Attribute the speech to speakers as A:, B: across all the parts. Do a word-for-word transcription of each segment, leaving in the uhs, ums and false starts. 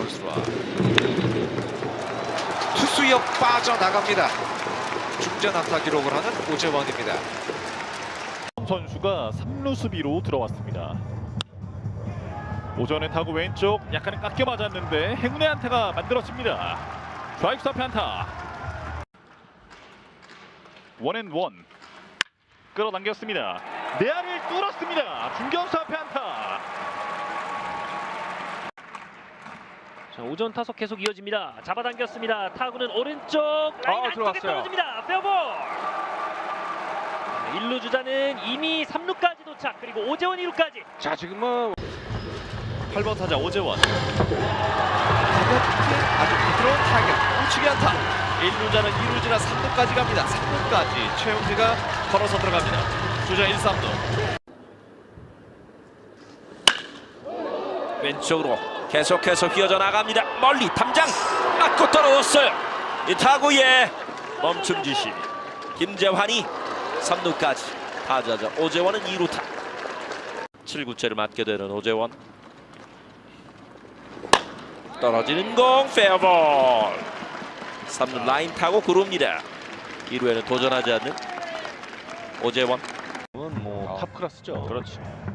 A: 볼스트라 투수역 빠져나갑니다. 중전 안타 기록을 하는 오재원입니다.
B: 선수가 삼 루 수비로 들어왔습니다. 오전에 타구 왼쪽 약간 깎여 맞았는데 행운의 안타가 만들어집니다. 좌익수 앞에 안타. 원앤원 끌어당겼습니다. 내야를 뚫었습니다. 중견수 앞에 안타.
C: 자, 오전 타석 계속 이어집니다. 잡아당겼습니다. 타구는 오른쪽 라인
A: 아,
C: 안쪽에
A: 들어갔어요.
C: 떨어집니다. 페어볼. 일 루 주자는 이미 삼 루까지 도착. 그리고 오재원 이 루까지.
A: 자, 지금 뭐
B: 팔 번 타자 오재원.
A: 가볍게 아주 부드러운 타격 우측에 안타. 일 루자는 이 루지나 삼 루까지 갑니다. 삼 루까지 최용기가 걸어서 들어갑니다. 주자 일, 삼 루 왼쪽으로 계속해서 휘어져 나갑니다. 멀리 탐장 맞고 떨어졌어요. 이 타구에 멈춤 지시. 김재환이 삼 루까지. 타자자 오재원은 이 루타. 칠 구째를 맞게 되는 오재원. 떨어지는 공 페어볼. 삼 루 라인 타고 구릅니다. 이 루에는 도전하지 않는 오재원.
B: 뭐탑 클래스죠. 그렇죠.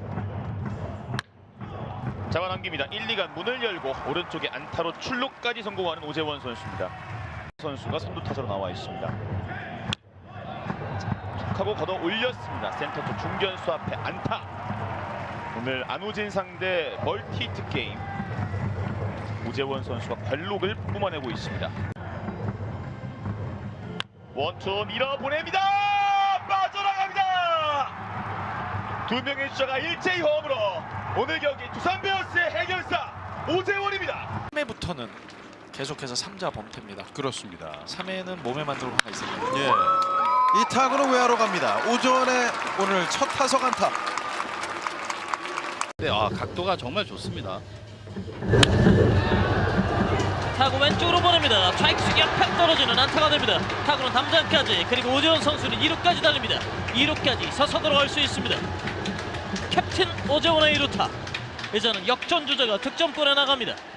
B: 잡아당깁니다. 일, 이간 문을 열고 오른쪽에 안타로 출루까지 성공하는 오재원 선수입니다. 선수가 선두 타자로 나와 있습니다. 툭하고 걷어 올렸습니다. 센터 쪽 중견수 앞에 안타. 오늘 안우진 상대 멀티히트 게임. 오재원 선수가 관록을 뿜어내고 있습니다. 원투 밀어보냅니다. 빠져나갑니다. 두 명의 주자가 일제히 홈으로 오늘 경기 두산 베어스의 해결사 오재원입니다.
D: 삼 회부터는 계속해서 삼자 범퇴입니다.
E: 그렇습니다.
D: 삼 회는 몸에 만들고 가 있습니다.
E: 예. 이 타구는 외야로 갑니다. 오전에 오늘 첫 타석 안타.
F: 네, 아, 각도가 정말 좋습니다.
C: 타구 왼쪽으로 보냅니다. 좌익수 옆에 떨어지는 안타가 됩니다. 타구는 담장까지. 그리고 오재원 선수는 이 루까지 달립니다. 이 루까지 서서 들어갈 수 있습니다. 캡틴 오재원의 이 루타. 이제는 역전 주자가 득점권에 나갑니다.